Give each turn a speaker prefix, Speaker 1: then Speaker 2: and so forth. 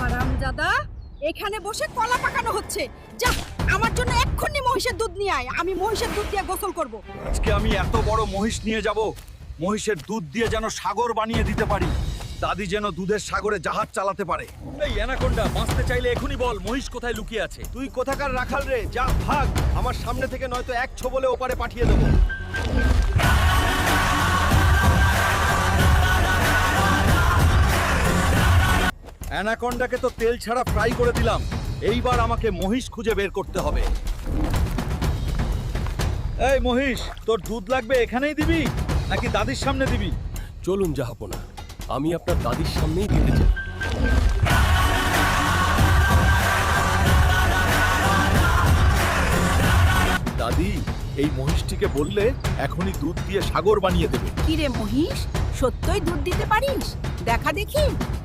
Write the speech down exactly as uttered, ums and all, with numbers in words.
Speaker 1: হারামজাদা, এখানে বসে কলা পাকানো হচ্ছে। যা, আমার জন্য এক্ষুনি মহিষের দুধ নিয়ে আয়, আমি মহিষের দুধ দিয়ে গোসল করব।
Speaker 2: আজকে আমি এত বড় মহিষ নিয়ে যাব, মহিষের দুধ দিয়ে যেন সাগর বানিয়ে দিতে পারি, দাদি যেন দুধের সাগরে জাহাজ চালাতে পারে।
Speaker 3: এই অ্যানাকোন্ডা, বাঁচতে চাইলে এখনই বল মহিষ কোথায় লুকিয়ে আছে।
Speaker 2: তুই কোথাকার রাখাল রে? যা ভাগ আমার সামনে থেকে, নয়তো এক ছোবলে ওপারে পাঠিয়ে দেবো। অ্যানাকোন্ডাকে তো তেল ছাড়া ফ্রাই করে দিলাম, এইবার আমাকে মহিষ খুঁজে বের করতে হবে। এই মহিষ, তোর দুধ লাগবে এখানেই দিবি নাকি দাদির সামনে দিবি?
Speaker 3: চলুন জাহাপনা, আমি আপনার দাদির সামনেই দিতে চাই।
Speaker 2: দাদি, এই মহিষটিকে বললে এখনই দুধ দিয়ে সাগর বানিয়ে দেবে।
Speaker 1: কি রে মহিষ, সত্যই দুধ দিতে পারিস? দেখা দেখি।